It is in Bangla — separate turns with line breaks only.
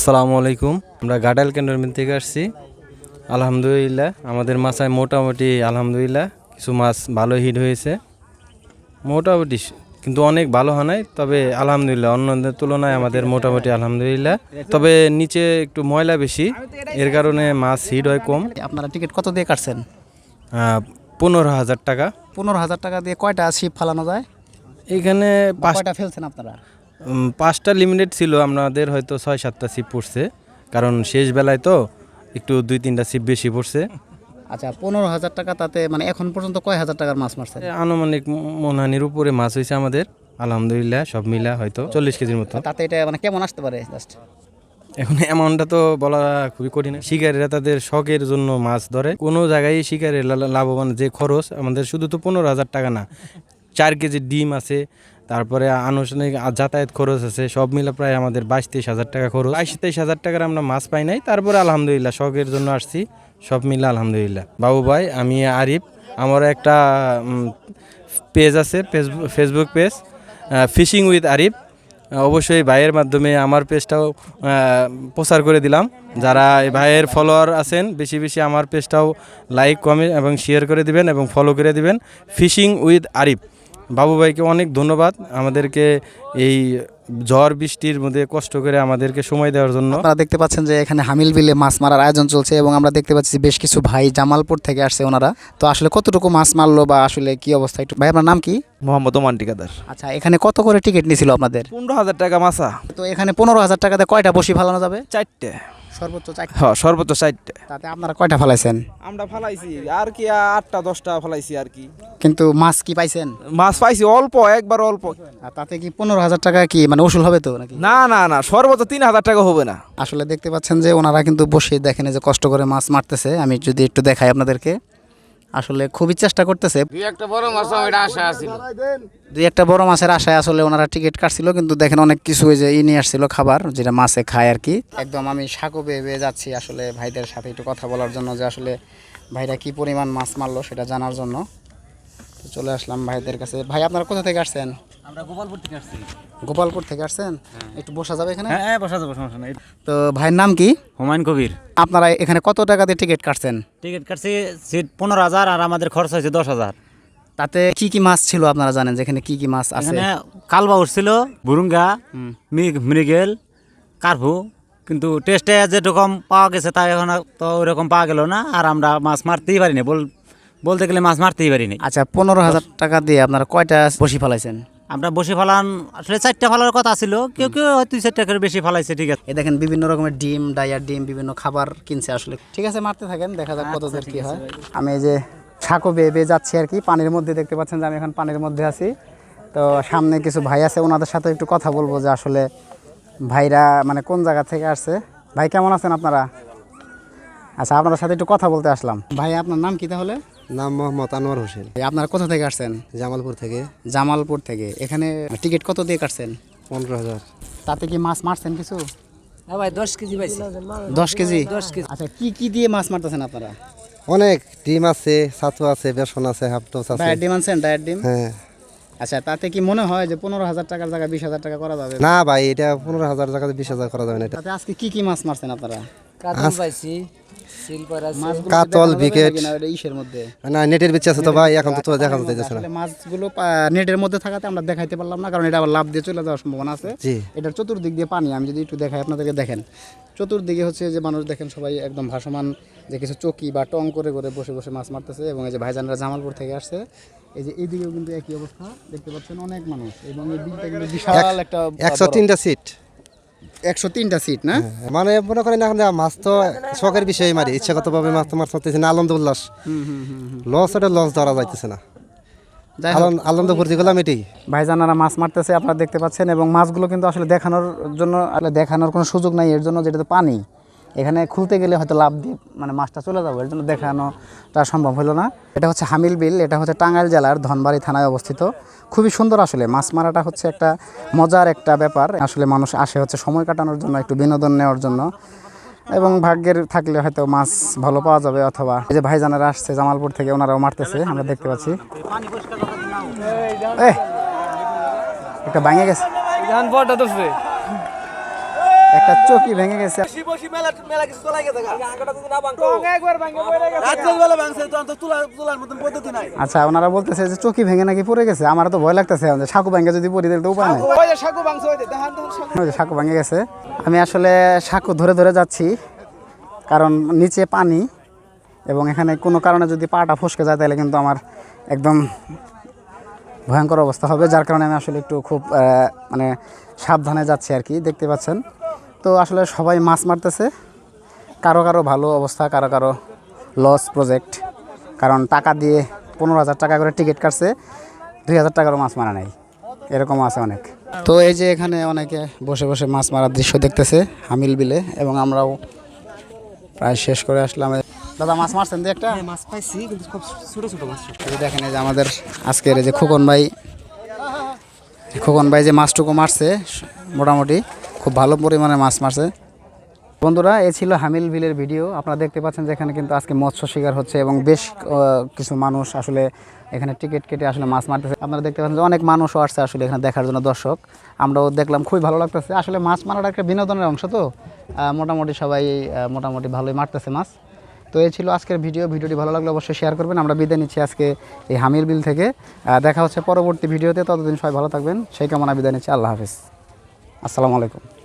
আসসালামু আলাইকুম। আমরা গাডাইল ক্যান্টনমেন্ট থেকে আসছি। আলহামদুলিল্লাহ আমাদের মাছায় মোটামুটি আলহামদুলিল্লাহ কিছু মাছ ভালো হিট হয়েছে মোটামুটি, কিন্তু অনেক ভালো হয় নাই, তবে আলহামদুলিল্লাহ অন্যদের তুলনায় আমাদের মোটামুটি আলহামদুলিল্লাহ। তবে নিচে একটু ময়লা বেশি, এর কারণে মাছ হিট হয় কম।
আপনারা টিকিট কত দিয়ে কাটছেন?
15,000 টাকা।
15,000 টাকা দিয়ে কয়টা ছিপ ফালানো যায়?
এখানে
কয়টা ফেলছেন আপনারা?
5টা লিমিটেড ছিল, আমাদের হয়তো 6-7টা ছিপ পড়ছে, কারণ শেষ বেলায় তো একটু 2-3টা ছিপ বেশি পড়ছে।
আচ্ছা, 15,000 টাকা, তাতে মানে এখন পর্যন্ত কয় হাজার টাকার মাছ মারছেন?
আনুমানিক মনহানির উপরে মাছ হয়েছে আমাদের আলহামদুলিল্লাহ, সব মিলা হয়তো 40 কেজির মতো।
তাতে এটা মানে কেমন আসতে পারে জাস্ট?
এখন অ্যামাউন্টটা তো বলা খুবই কঠিন। শিকারীরা তাদের শখের জন্য মাছ ধরে, কোনো জায়গায় শিকারের লাভবান যে খরচ আমাদের, শুধু তো 15,000 টাকা না, 4 কেজি ডিম আছে, তারপরে আনুষ্ঠানিক যাতায়াত খরচ আছে, সব মিলে প্রায় আমাদের 22-23 হাজার টাকা খরচ। 22-23 হাজার টাকার আমরা মাছ পাই নাই, তারপরে আলহামদুলিল্লাহ শখের জন্য আসছি, সব মিলে আলহামদুলিল্লাহ। বাবু ভাই, আমি আরিফ, আমার একটা পেজ আছে, Facebook page fishing with Arif. অবশ্যই ভাইয়ের মাধ্যমে আমার পেজটাও প্রচার করে দিলাম। যারা এই ভাইয়ের ফলোয়ার আছেন বেশি বেশি আমার পেজটাও লাইক, কমেন্ট এবং শেয়ার করে দিবেন এবং ফলো করে দিবেন। Fishing with Arif. বাবু ভাইকে অনেক ধন্যবাদ আমাদেরকে এই ঝড় বৃষ্টির মধ্যে কষ্ট করে আমাদেরকে সময় দেওয়ার জন্য।
আপনারা দেখতে পাচ্ছেন যে এখানে হামিল বিলে মাছ মারার আয়োজন চলছে এবং আমরা দেখতে পাচ্ছি বেশ কিছু ভাই জামালপুর থেকে আসছে ওনারা। তো আসলে কতটুকু মাছ মারলো বা আসলে কি অবস্থা, একটু ভাই আপনার নাম কি?
মোহাম্মদ ওমান ঠিকাদার।
আচ্ছা, এখানে কত করে টিকিট নিছিল আপনাদের?
15,000 টাকা মাছা।
তো এখানে 15,000 টাকাতে কয়টা বসি ফালানো যাবে?
4টে,
সর্বোচ্চ 4টা।
হ্যাঁ সর্বোচ্চ 4টে।
তাতে আপনারা কয়টা ফালাইছেন?
আমরা ফালাইছি আর কি 8টা 10টা ফালাইছি আর কি।
কিন্তু মাছ কি পাইছেন?
মাছ পাইছি অল্প, একবার অল্প।
আর তাতে কি 15,000 টাকা কি মানে উসুল হবে তো নাকি?
না না না, সর্বোচ্চ 3,000 টাকা হবে না।
আসলে দেখতে পাচ্ছেন যে ওনারা কিন্তু বসে দেখেন যে কষ্ট করে মাছ মারতেছে। আমি যদি একটু দেখাই আপনাদেরকে, আসলে খুবই চেষ্টা করতেছে। দুই একটা বড় মাছের আশায় আসলে ওনারা টিকিট কাটছিল, কিন্তু দেখেন অনেক কিছু ওই যে নিয়ে আসছিল খাবার, যেটা মাছে খায় আর কি। একদম আমি সাঁকো বেয়ে বেয়ে যাচ্ছি আসলে ভাইদের সাথে একটু কথা বলার জন্য, যে আসলে ভাইরা কি পরিমাণ মাছ মারলো সেটা জানার জন্য। তো চলে আসলাম ভাইদের কাছে। ভাই, আপনারা কোথা থেকে আসছেন?
আমরা গোপালপুর থেকে আসছি।
গোপালপুর থেকে আসছেন? একটু বসা যাবে এখানে?
হ্যাঁ বসা যাবো, সমস্যা নাই।
তো ভাইয়ের নাম কি?
হুমায়ুন কবির।
আপনারা এখানে কত টাকা দিয়ে টিকিট কাটছেন?
টিকিট কাটছি সিট 15,000 আর আমাদের খরচ হয়েছে 10,000।
তাতে কি কি মাছ ছিল আপনারা জানেন, যেখানে কি কি মাছ আছে?
এখানে কালবা উঠছিল, বুরুঙ্গা, মৃগেল, কার্ভু, কিন্তু টেস্টে যেরকম পাওয়া গেছে তা এখন তো ওইরকম পাওয়া গেল না। আর আমরা মাছ মারতেই পারিনি, বলতে গেলে মাছ মারতেই পারিনি।
আচ্ছা, 15,000 টাকা দিয়ে আপনারা কয়টা বসি ফেলাইছেন?
আমরা বসে ফেলান আসলে 4টা ফেলার কথা ছিল, কেউ কেউ হয়তো 2-4টা করে বেশি ফেলাইছে। ঠিক আছে,
এই দেখেন বিভিন্ন রকমের ডিম, ডাইয়ার ডিম, বিভিন্ন খাবার কিনছে আসলে। ঠিক আছে, মারতে থাকেন, দেখা যাক কত দূর কি হয়। আমি এই যে সাঁকো বেয়ে বেয়ে যাচ্ছি আর কি, পানির মধ্যে। দেখতে পাচ্ছেন যে আমি এখন পানির মধ্যে আছি। তো সামনে কিছু ভাই আছে, ওনাদের সাথে একটু কথা বলবো যে আসলে ভাইরা মানে কোন জায়গা থেকে আসছে। ভাই, কেমন আছেন আপনারা? আচ্ছা, আপনাদের সাথে একটু কথা বলতে আসলাম। ভাই, আপনার নাম কি তাহলে?
নাম মোহাম্মদ আনোয়ার হোসেন।
আপনারা কোথা থেকে আসছেন?
জামালপুর থেকে।
জামালপুর থেকে। এখানে টিকিট কত দিয়ে কাটছেন?
15,000।
তাতে কি মাছ মারছেন কিছু?
হ্যাঁ ভাই, 10 কেজি পাইছি।
10 কেজি?
10 কেজি।
আচ্ছা, কি কি দিয়ে মাছ মারতেছেন আপনারা?
অনেক ডিম আছে, ছাতু আছে, বেসন আছে, হাফটোস আছে।
ডায়েট ডিম আনছেন? ডায়েট ডিম।
হ্যাঁ।
আচ্ছা, তাতে কি মনে হয় যে 15,000 টাকার জায়গায় 20,000 টাকা করা যাবে?
না ভাই, এটা 15,000 টাকাতে 20,000 করা যাবে না। এটা
তাতে আজকে কি কি মাছ মারছেন আপনারা?
কাতল পাইছি, সিলভার আছে।
মাছগুলো
কাতল,
দেখানো যাবে
বিকেট।
নাকি না ওটা ইসের মধ্যে?
না, নেটের বিচ্ছে আছে তো ভাই, এখন তো দেখা যাচ্ছে না।
আসলে মাছগুলো নেটের মধ্যে থাকাতে আমরা দেখাইতে পারলাম না, কারণ এটা আবার লাভ দিয়ে চলে যাওয়ার সম্ভাবনা আছে।
জি।
এটার চতুর্দিক দিয়ে পানি। আমি যদি একটু দেখাই আপনাদেরকে, দেখেন চতুর্দিকে হচ্ছে যে মানুষ, দেখেন সবাই একদম ভাসমান, যে কিছু চকি বা টং করে করে বসে বসে মাছ মারতেছে। এবং এই যে ভাইজানরা জামালপুর থেকে আসছে, এই যে এইদিকেও কিন্তু একই অবস্থা, দেখতে পাচ্ছেন অনেক মানুষ। এবং এই দিকটা কিন্তু বিশাল একটা
103টা সিট।
103টা সিট না?
মানে মনে করেন এখন মাছ তো শখের বিষয়ে মারি, ইচ্ছাগতভাবে মাছ তো মাছ মারতেছি না, আনন্দ উল্লাস। লস, এটা লস ধরা যাইতেছে না।
যাই হোক,
আনন্দ ভর্তি করলাম এটাই।
ভাইজানারা মাছ মারতেছে, আপনারা দেখতে পাচ্ছেন। এবং মাছগুলো কিন্তু আসলে দেখানোর জন্য, আসলে দেখানোর কোনো সুযোগ নাই এর জন্য, যেটা তো পানি। এখানে খুলতে গেলে হয়তো লাভ দিয়ে মানে মাছটা চলে যাবে, এর জন্য দেখানোটা সম্ভব হলো না। এটা হচ্ছে হামিল বিল, এটা হচ্ছে টাঙ্গাইল জেলার ধনবাড়ি থানায় অবস্থিত। খুবই সুন্দর আসলে। মাছ মারাটা হচ্ছে একটা মজার একটা ব্যাপার। আসলে মানুষ আসে হচ্ছে সময় কাটানোর জন্য, একটু বিনোদন নেওয়ার জন্য, এবং ভাগ্যের থাকলে হয়তো মাছ ভালো পাওয়া যাবে। অথবা এই যে ভাইজানারা আসছে জামালপুর থেকে, ওনারাও মারতেছে, আমরা দেখতে পাচ্ছি। একটা ভাঙে গেছে। একটা চকি ভেঙে গেছে। আচ্ছা, ওনারা বলতেছে যে চকি ভেঙে নাকি পড়ে গেছে। আমার তো ভয় লাগতেছে, সাঁকু ভেঙে যদি পড়ি তাহলে তো উপায় নেই। ওই যে সাঁকু ভেঙে গেছে। আমি আসলে সাঁকু ধরে ধরে যাচ্ছি, কারণ নিচে পানি এবং এখানে কোনো কারণে যদি পাটা ফসকে যায় তাহলে কিন্তু আমার একদম ভয়ঙ্কর অবস্থা হবে, যার কারণে আমি আসলে একটু খুব মানে সাবধানে যাচ্ছি আর কি। দেখতে পাচ্ছেন তো আসলে সবাই মাছ মারতেছে, কারো কারো ভালো অবস্থা, কারো কারো লস প্রজেক্ট, কারণ টাকা দিয়ে 15,000 টাকা করে টিকিট কাটছে, 2,000 টাকারও মাছ মারা নাই, এরকমও আছে অনেক। তো এই যে এখানে অনেকে বসে বসে মাছ মারার দৃশ্য দেখতেছে হামিল বিলে, এবং আমরাও প্রায় শেষ করে আসলাম। দাদা মাছ মারছেন যে একটা?
মাছ পাইছি কিন্তু খুব ছোট ছোট মাছ।
এই দেখেন, এই যে আমাদের আজকের এই যে খোকন ভাই যে মাছটুকু মারছে, মোটামুটি খুব ভালো পরিমাণে মাছ মারছে। বন্ধুরা, এই ছিল হামিল বিলের ভিডিও। আপনারা দেখতে পাচ্ছেন যে এখানে কিন্তু আজকে মৎস্য শিকার হচ্ছে এবং বেশ কিছু মানুষ আসলে এখানে টিকিট কেটে আসলে মাছ মারতেছে। আপনারা দেখতে পাচ্ছেন যে অনেক মানুষও আসছে আসলে এখানে দেখার জন্য, দর্শক। আমরাও দেখলাম, খুবই ভালো লাগতেছে। আসলে মাছ মারাটা একটা বিনোদনের অংশ, তো মোটামুটি সবাই মোটামুটি ভালোই মারতেছে মাছ। তো এই ছিল আজকের ভিডিওটি ভালো লাগলে অবশ্যই শেয়ার করবেন। আমরা বিদায় নিচ্ছি আজকে এই হামির বিল থেকে। দেখা হচ্ছে পরবর্তী ভিডিওতে, ততদিন সবাই ভালো থাকবেন, সেই কামনা বিদায় নিচ্ছি। আল্লাহ হাফিজ, আসসালামু আলাইকুম।